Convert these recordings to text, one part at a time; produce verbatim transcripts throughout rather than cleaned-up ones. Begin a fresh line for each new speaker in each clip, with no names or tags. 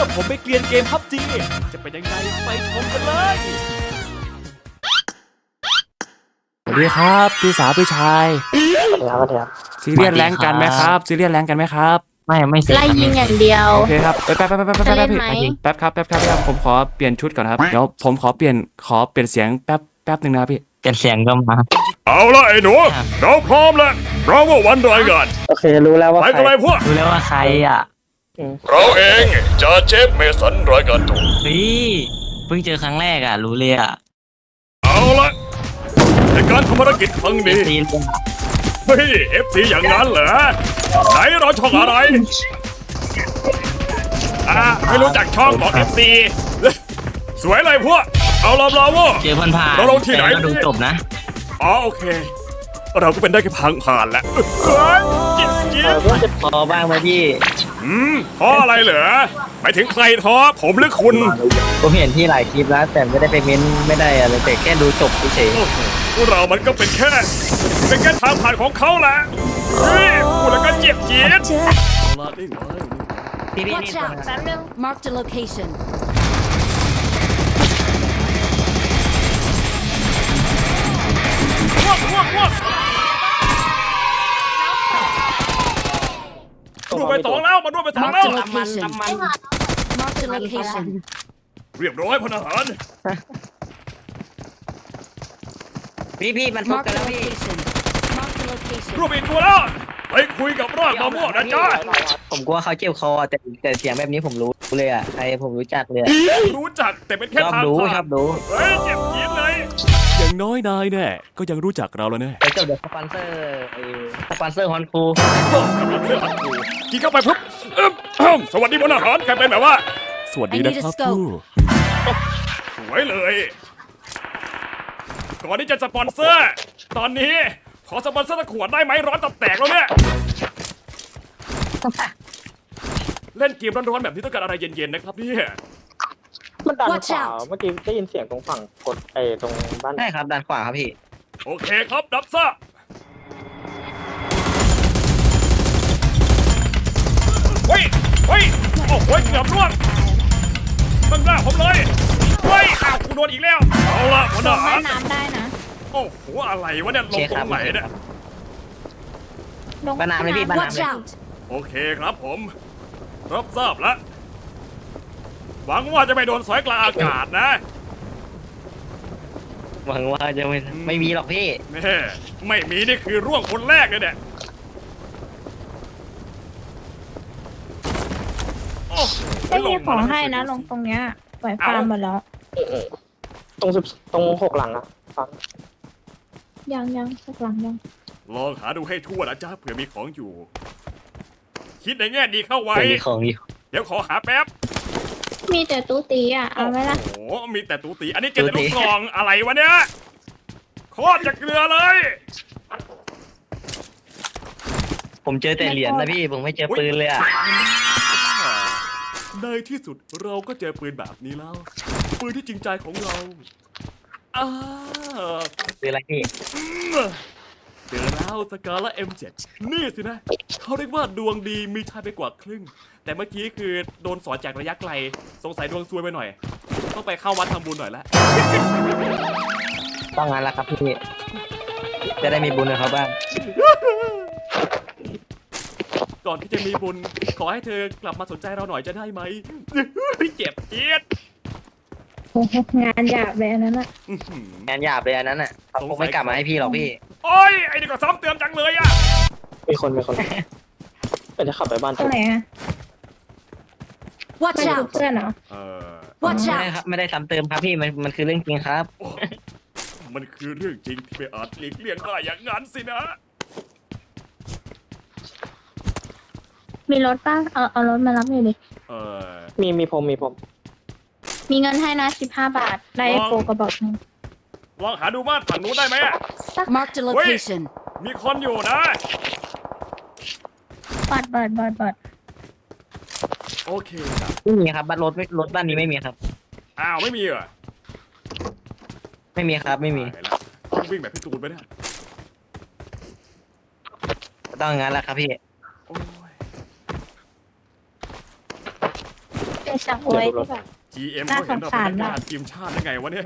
แล้วผมไปเกลียนเกมพับจีจะเป็นยังไงไปชมกันเลยสวัสดีครับพี่สาวพี่ชาย
สวัสดีครับสวัสดีครับ
ซีเรียสแรงกันไหมครับซีเรียสแรงกันไหมครับ
ไม่ไม่เสร็จ
ไล่ยิงอย่างเดียว
โอเคครับแป๊บแป๊บแป๊บแป๊บแป๊บ
จะเล่น
พี่
ไหม
แป๊บครับแป๊บครับแป๊บผมขอเปลี่ยนชุดก่อนครับเดี๋ยวผมขอเปลี่ยนขอเปลี่ยนเสียงแป๊บแป๊บหนึ่งนะพี่
เปลี่ยนเสียงก็มา
เอาละไอ้หนูเราพร้อมแล้วเราว่าวันรายงาน
โอเครู้แล้วว่า
ไป
ใคร
กันเลยพวก
รู้แล้วว่าใครอ่ะ
เราเองจะเจฟเมสันรายการตัว
เฮ้ยเพิ่งเจอครั้งแรกอ่ะรู้เลยอ่ะ
เอาละในการทำภารกิจครั้งนี้
ซีน
เฮ้ยเอฟซีอย่างนั้นเหรอไหนเราช่องอะไรอ่าไม่รู้จักช่องบอกเอฟซีสวยเลยพวกเอาลำลาวะ
เจอผ่านผ่าน
เราลงที่ไหน
ก็ดูจบนะ
อ๋อโอเค เราก็เป็นได้แค่พังผ่านแหละเฮ้ยจิ๊บจิ๊บ
พอบ้างไหมพี่
อืมท้ออะไรเหรอไปถึงใครท้อผมหรือคุณ
ผมเห็นที่หลายคลิปแล้วแต่ไม่ได้ไปเม้นไม่ได้อะไรแต่แค่ดูจบเฉย
โอ้โหพวกเรามันก็เป็นแค่ เป็นแค่ทางผ่านของเขาแหละเฮ้ยพูดแล้วก็เจ็บจี๊ด
ๆพี่พี่นี่
Watch out แป๊บนึง
Marked a location.
พวกพวกพวกดูไปสองแล้วมาดูไปสองแล้ว
Marked a location. Marked a location.
เรียบร้อยพลทหาร
พี่พี่มันพบ
Marked
กัน
a
แล้วพี่
location. Marked a location.
รูปอีกตัวแล้วไปคุยกับรอดมะม่วงนะจ๊ะ
ผมกลัวเขาเจ็บคอแต่แต่เสียงแบบนี้ผมรู้เลยอ่ะใครผมรู้จักเลยอะ
รู้จักแต่เป็นแค่
ชอบ
ทาง
ดู
ผ่า
ชอน บดู
เฮ้ยเจ็บจี๊ดเลย
อย่างน้อยนายเนี่ยก็ยังรู้จักเราแล้วเนี่ย
ไปจบเดี๋ยวสปอนเซอร์ไอ้สปอนเซอร์ฮอนคู
โอ้กำลังเสื้อผัดกูกินเข้าไปปุ๊บเอิ่มเอิ่มสวัสดีพลทหารใครเป็นแบบว่า
สวัสดีนะครับ
I need a scope
ผู้
สวยเลย ก่อนที่จะสปอนเซอร์ ตอนนี้ขอสปอนเซอร์ตะขวดได้ไหมร้อนตับแตกแล้วเนี่ย เล่นเกมร้อนๆแบบนี้ต้องการอะไรเย็นๆนะครับเนี่ย
มันดัน
Watch
ขวา
out
เมื่อกี้ได้ยินเสียงตรงฝั่งกดไอ้ตรงบ้าน
ใช่ครับด้านขวาครับพี่
โอเคครับรับทราบเฮ้ยเฮ้ยโอ้โหเกือบร่วงตั้งหน้าผมเลยเฮ้ยอ้าวกูโดนอีกแล้วเอาละพลท
ลง
หา
แม่
ร
น้ำได้นะ
โอ้โหอะไรวะเนี่ยลงตรงไหนเนี่ย
ลง
บ้านน้ำเลยพี่บ้าน
Watch
น้ำเลย
out.
โอเคครับผมรับทราบแล้วหวังว่าจะไม่โดนสอยกลางอากาศนะ
หวังว่าจะไม่ไม่มีหรอกพี่
แม่ไม่มีนี่คือร่วงคนแรกเลยเนี่ยโอ้โห
ไม่มีของให้นะ
า
ลงตรงเนี้ยปล่อยฟาร์มหมดแล้ว
ตรงสิบตรงหกหลังอะฟัง
ยังยังสักหลังยัง
ลองหาดูให้ทั่วนะจ๊ะเผื่อมีของอยู่ คิดในแง่ดีเข้าไว้
เป็นมีของอยู่
เดี๋ยวขอหาแป๊บ
มีแต่ตู้ตีอ่ะ เอาไหมล่ะ
โอ้โหมีแต่ตูตีอันนี้เจอแต่ลูกกล่องอะไรวะเนี่ยโคตรจะเกลือเลย
ผมเจอแต่เหรียญนะพี่ผมไม่เจอปืนเลยอ่ะ
ในที่สุดเราก็เจอปืนแบบนี้แล้ว ปืนที่จริงใจของเราอ่า
ปืนอะไรพี่
เจอแล้วสกาและ เอ็ม เจ็ด นี่สินะเขาเรียกว่าดวงดีมีชายไปกว่าครึ่ง แต่เมื่อกี้คือโดนสอนจากระยะไกล สงสัยดวงซวยไปหน่อย ต้องไปเข้าวัดทำบุญหน่อยละ
ต้องงานละครับพี่จะได้มีบุญกับเขาบ้าง
ก่อนที่จะมีบุญ ขอให้เธอกลับมาสนใจเราหน่อยจะได้ไหม
เจ็บจี๊ด
โอ้โหงานหยาบเลยอันนั้นอ่ะ
อื้อหือง
านหยาบเลยอันนั้นอ่ะเขาคงไม่กลับมาให้พี่หรอกพี่
โอ้ยไอ้นี่ก็ซ้ำเติมจังเลยอะ
มีคนมีคนเดี๋ยวจะขับไปบ้าน
ตรงไหนอ่ะ
Watch
ไม่ดู
out.
เพื่อนเหรอ
เออ
Watch
ไม่ได้
out.
ครับไม่ได้ซ้ำเติมครับพี่มันมันคือเรื่องจริงครับ
โอ้มันคือเรื่องจริงที่ไม่อาจหลีกเลี่ยงได้อย่างนั้นสินะ
มีรถป่ะ เอาเอารถมารับหน่อยดิ
เออ
มีมีผมมีผม
มีเงินให้นะสิบห้าบาท ได้โฟกระบอกหนึง
ลองหาดูบ้านฝั่งนู้นได้ไหมอะ
Marked a location.
มีคนอยู่นะ
บัดบัดบัดบัด
โอเคครับ
ไม่มีครับบ้านรถไม่รถบ้านนี้ไม่มีครับ
อ้าวไม่มีเหรอ
ไม่มีครับไม่มี
ตายแล้วต้องวิ่งแบบพี่ตูนไปเนี่ย
ต้องงานละครับพี่
โอ้ย
เจอเป็นชักไว้ที่แบบ
จี เอ็ม
น่า
เขาเห็นเรา
สงสาร
เป็นนัก
มาก
กีฬาทีมชาติได้ไงวะเนี่ย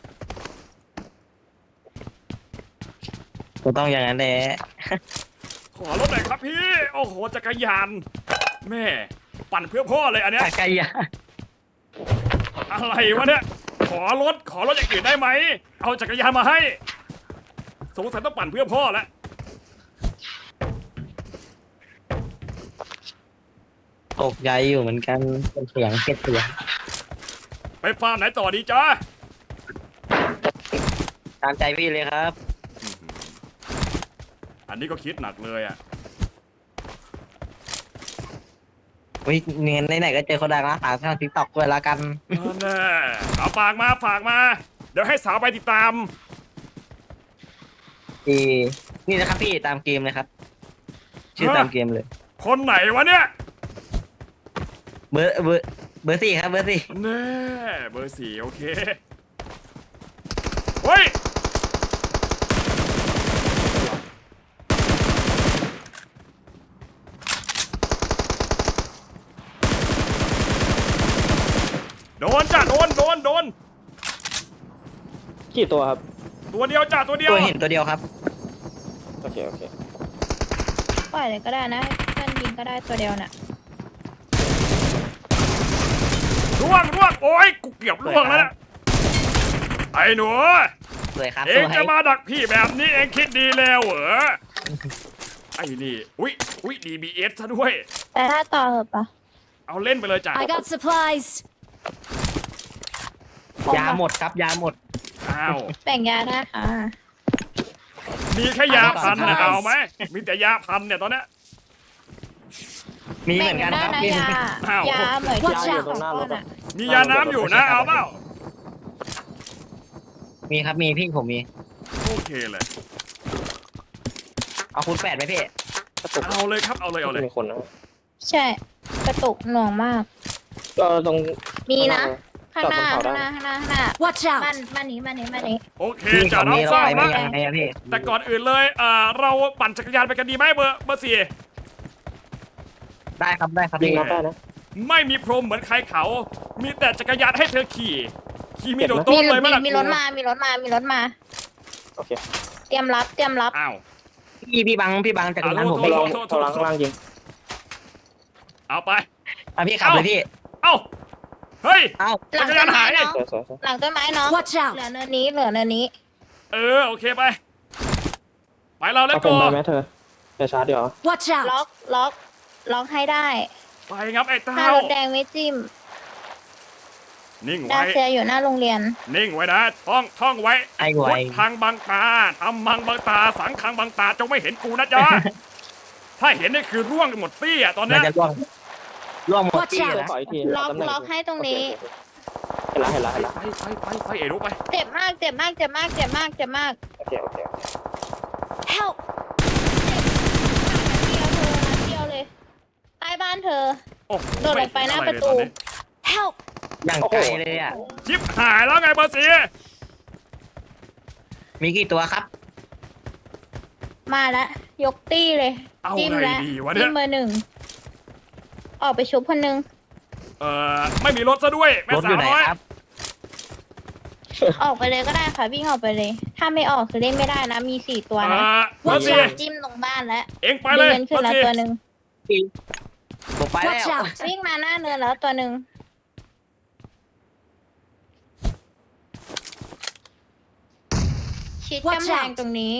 ก็ต้องอย่างนั้นแหละ
ขอรถหน่อยครับพี่ โอ้โหจักรยาน แม่ ปั่นเพื่อพ่อเลยอันเนี้ย
จักรยาน
อะไรวะเนี่ย ขอรถ ขอรถอย่างอื่นได้ไหม เอาจักรยานมาให้ สงสัยต้องปั่นเพื่อพ่อแล้ว
ตกใจอยู่เหมือนกันเป็นเสียงเก็บเสียง
ไปฟาร์มไหนต่อดีจ้า
ตามใจพี่เลยครับ
อันนี้ก็คิดหนักเลยอ่ะ
วิเงินไหนๆก็เจอคนดังนะฝากทางทิกตอกด้วยละกัน
นั่นแน่เอาฝากมาฝากมา เดี๋ยวให้สาวไปติดตาม
ดีนี่นะครับพี่ตามเกมเลยครับ ชื่อตามเกมเลย
คนไหนวะเนี่ย
เบอร์เบอร์เบอร์สี่ครับเบอร์สี่
แน่เบอร์สี่โอเค เฮ้ย โดนจ้ะโดนโดนโดน
กี่ตัวครับ
ตัวเดียวจ้ะตัวเดียว
ตัวเห็นตัวเดียวครับ
โอเคโอเค
ปล่อยเลยก็ได้นะให้เพื่อนยิงก็ได้ตัวเดียวน่ะ
ร่วงร่วงโอ้ยกูเกือบร่วงแล้วนะไอ้หนู
สวยครับ
เอ
ส
ง
วย
จะมาดักพี่แบบนี้เองคิดดีแล้วเหรอ ไอ้นี่ อุ๊ยอุ๊ย ดี บี เอส ซะด้วย
แต่ถ้าต่อเหอะปะ
เอาเล่นไปเลยจ้ะ
I got supplies.
ยาหมดครับยาหมด
อ้าว
แบ่งยาได้ค่ะ
มีแค่ยาพันนะ
เอา
เอาไหม มีแต่ยาพันเนี่ยตอนเนี้ย
มีเห
แบ่
มื
ง
อน
กั
กัน น
ได้
ครับ
นะ
มี
ยา
อ้าว
ยาเหมือน
Watch
ยา
out
ของก้อนอ่ะ
มียาน้ำอยู่นะ เอาเปล่า
มีครับมีพี่ผมมี
โอเคเลย
เอาคูณแปดไหมพี่
กระตุก
เอาเลยครับ เอาเลย เอาเลย
มีคนนะ
ใช่ กระตุกหน่วงมาก
ก็ตรง
มีนะ ข้าง
จอด
ห
บ
น้าน
เขา
ข้างห
ได้
น้าข้างหน้าข้างหน้า
Watch
บ้าน
out.
บ้านนี้บ้านนี้บ้านนี้
โอเค
พี่
จะ
ผม
รับ
มี
ทราบ
อะไรไม่
นะ
ยังไงอะพี่
แต่ก่อนอื่นเลยเอ่อเราปั่นจักรยานไปกันดีไหมเบอร์เบอร์สี่
ได้ครับได้ครับ
ยิง
พี่
น็อกได้นะ
ไม่มีพรมเหมือนใครเขา มีแต่จักรยานให้เธอขี่ ขี่มีโดด
มี
โต้นเลยไหม
มี
ล่ะ
มีรถมา มีรถมา มีรถมา
โอเค
เตรียมรับ เตรียมรับ
อ้าว
พี่พี่บังพี่บังจักรยานผม
โท
ไม่
ษ
ล
โท
ง
ษโทษ
เขาล้างข้างล่างยิง
เอาไป
อ่ะพี่ขับเลยพี่
เอ้า เฮ้ย
เอ้า
หลัง
จักร
ต้
ยาน
นไม้
หาย
น้อง
สวยสวยสวย
หลังต้นไม้น้อง
Watch
เหลือ
out.
เนินนี้ เหลือเนินนี้
เออ โอเคไป ไปเราแล้ว
เอาผ
ก็
มไปไหมเธอเดี๋ยวชาร์จเดี๋ยว
Watch
ล็อ
out.
ก ล็อก ล็อกให้ได้
ไปงับไอ้
ถ้า
เต้าร
ถแดงไม่จิ้ม
นิ่ง
ดา
ไว้
เซียอยู่หน้าโรงเรียน
นิ่งไว้นะ ท่อง ท่องไว้
ไอ้ไว
พุทธังบังตาทำมังบังตา สังขังบังตา จงไม่เห็นกูนะจ๊ะ ถ้าเห็นนี่คือร่วงหมดตี้อะตอนเนี้
น่าย จะล่วงล่วงหมด
Watch
ที่
out
นะ
ขออีกที
ล็อก
ตำแหน่ง
ล็อกให้ตรงนี้
เห็นแล้วเห็นแล้วเห็นแล้ว
ไปไปไปไปเอ๋รู้ไป
เจ็บมาก เจ็บมาก เจ็บมาก เจ็บมาก เจ็บมาก
โอเคโอเคโอเค
Help.
เดียวเธอนัดเดียวเลย ใต้บ้านเธอ
โอ้โห
โดดลงไปหน้า
ม่เห็
ประตู
อไเลยอนนี้
Help.
อย่างไกลเลยอ่ะ
ชิบหายแล้วไงเบอร์สี่
มีกี่ตัวครับ
มาแล้ว ยกตี้เลย
เอา
จิ้ม
ไง
แล้ว
ดีวะเนี่
จิ้
ย
มเบอร์หนึ่ง ออกไปชุบคนหนึ่ง
เอ่อ ไม่มีรถซะด้วย แม่
รถอ
สา
ยู่
ว
ไหน
น้อย
ครับ
ออกไปเลยก็ได้ค่ะ วิ่งออกไปเลย ถ้าไม่ออกคือเล่นไม่ได้นะ มีสี่ตัว
เอ่
นะ
อเบอร์สี่
จิ้มตรงบ้านแล้ว
เอ็งไป
มี
เลย
เงิน
เบ
ขึ้
อน ร์
แล้ว
สี่
ตัวหนึ่ง
ผมไปแล้ว
Watch out.
วิ่งมาหน้าเนินแล้วตัวหนึ่งชิด
Watch
กำแพง
out
ตรงนี้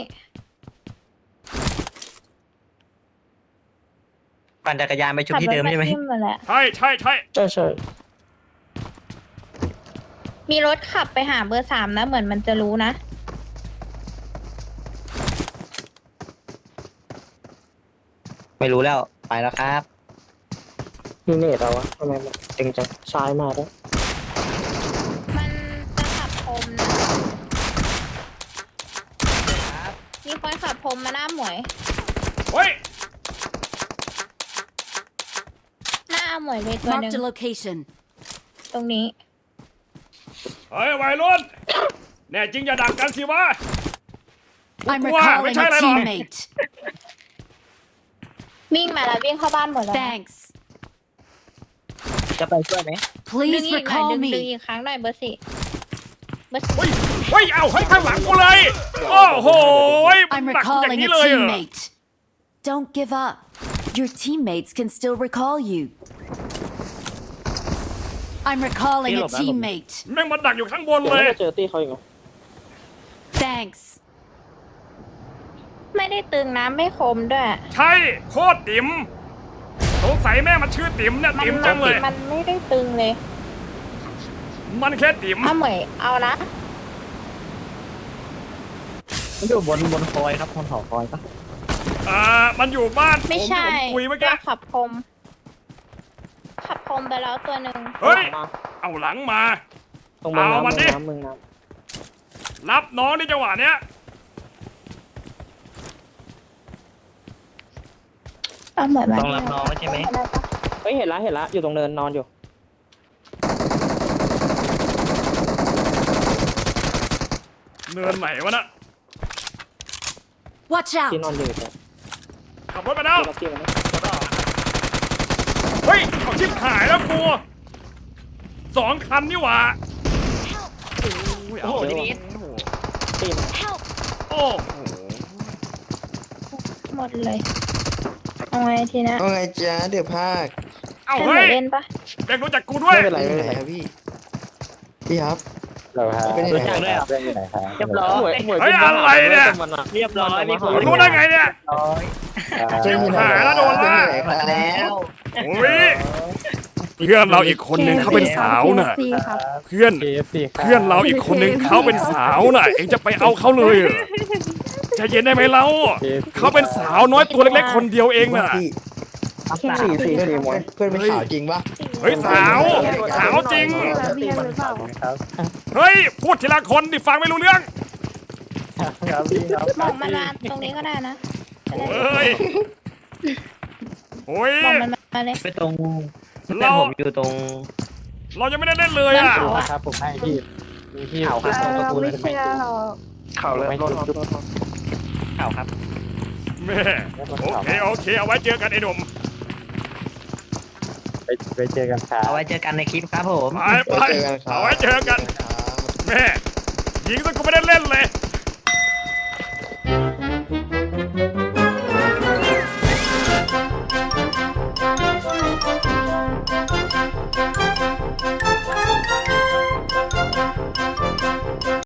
ปั่นจักรยานไปชุด
ขับ
ที่
รถ
เดิม
มา
ใช่ไหม
จิ้มมาแหละ
ใช่ใช่ใช่
ใช่ใช่
มีรถขับไปหาเบอร์สามนะ เหมือนมันจะรู้นะ
ไม่รู้แล้วไปแล้วครับ
มีเนตเอาวะทำไมมันตึงจังซ้ายมาแล้ว
มันจะขับพรมนะ มีคนขับพรมมาหน้าหมวย
เฮ้ย
หน้าหมวยเลยตัวหนึ่ง
Marked a location.
ตรงนี้
เฮ้ยวัยรุ่นแน่จริงอย่าดักกันสิวะ
I'm
Wow,
recalling
which
a
island?
teammate.
วิ่งมาแล้ววิ่งเข้าบ้านหมดแล้วนะ
Thanks.
จะไปช่วยไหม
ดึง
Please
อีกหน่อย
recall
ดึงดึง
me.
อีกครั้งหน่อยเบอร์สี่เบอร์สี่
เฮ้ยเฮ้ยเอาให้ข้างหลังกูเลย โอ้โหมัน
I'm
หนักอย่าง
recalling
นี้
a
เลยเหรอ
teammate. Don't give up. Your teammates can still recall you. I'm recalling a teammate.
แม่งมันดักอยู่ข้างบน
เดี๋ยว
เลย
ไม่ได้เจอตี้เขาอีกเหรอ
Thanks.
ไม่ได้ตึงนะไม่คมด้วย
ใช่โคตรติ๋มสงสัยแม่มันชื่อติ๋มเนี่ย
มัน
ติ๋มจังเลย
มันไม่ได้ตึงเลย
มันแค่ติ๋ม
เอาเหมยเอานะ
มันอยู่บนบนคอยครับบนหอคอยปะ
อ่ามันอยู่บ้านผม
ไม่
ที่
ใช่
ผมคุยเมื่อกี้
ขับคม ขับคมไปแล้วตัวหนึ่ง
เฮ้ย
มา
เอาหลังมา
ตรงเมือง
เอามัน
น้ำ
ดิ
เมืองน้ำเมืองน้
รับน้องในจังหวะเนี้ย
เอาเหมยมา
ต้องรับน้องใช่ไหม
ำเฮ้ยเห็นละเห็นละอยู่ตรงเนินนอนอยู่
เนินไหนวะน่ะ
Watch
ที่นอ
out.
นอยู่เนี่ย
ขับรถไปแล้ว
ที่เราเกี่ยวนะ
เฮ้ยเอาชิบหายแล้วกูสองคันนี่หว่าโอ้ย
โอ้
เอา
โห
ดิ
ทีนี้
ตีมัน
Help.
โอ้โห
หมดเลย เอาไงทีนะ
ว่าไงจ๊ะเดี๋ยวภาค
เอา
ให้เหม
เฮ้ย
ยเล่นปะ
เด็กรู้จักกูด้วย
ไม่เป็นไร
ไป
ไม่
ไหน
เป็นไร
ครับพี่ พี่ครับ
เราฮะ
เป็นยัง
รู้
ไง
จักด้วยเหรอ
เรื่องอยู่ไหนครับ
เรียบร้อย
หมวยหมวย
เฮ้ย
ป็น
อะไรเนี่ย
ทหาร
เรียบร้อยมีคน
มึงรู้ได้ไงเนี่ย
ร้อย
ชิบหายแล้วโดนล่า
เป็นยังไงครับ
แล้ว
โอ้ยเพื่อนเราอีกคนนึงเขาเป็นสาวน่ะ
ครับ
เพื่อน
เค เอฟ ซี
เพื่อนเราอีกคนนึงเขาเป็นสาวน่ะ เองจะไปเอาเขาเลยเหรอใจเย็นได้ไหมเราเขาเป็นสาวน้อยตัวเล็กๆคนเดียวเองน่ะ
พี่
สี่สี่
เพื่อน
สี่มวย
เพื่อนเป็นสาวจริงปะ
เฮ้ยสาวสาวจริง
ครับ
เฮ้ยพูดทีละคนดิฟังไม่รู้เรื่อง
ครับพี่ครับ
มองมันมาตรงนี้ก็ได้นะจะได้
เฮ้ยโอ้ย
มองมันมาเลย
ไปตรงเพื่อน
เรา
ผมอยู่ตรง
เรายังไม่ได้เล่นเลยอ่ะ
เล่น
นะครับผมให้พี่มีพี่
ข่าวครับตรงตระกูลเลย
ไม่เชื่อหรอก
เข่าเลยรถรถรถรถ
ข่าวครับ
แม่โอเคโอเคเอาไว้เจอกันไอ้หนุ่ม
ไปไปเจอกันครับ
เอาไว้เจอกันในคลิปครับผม
ไปไปเอาไว้เจอกันแม่ยิงซะกูไม่ได้เล่นเลย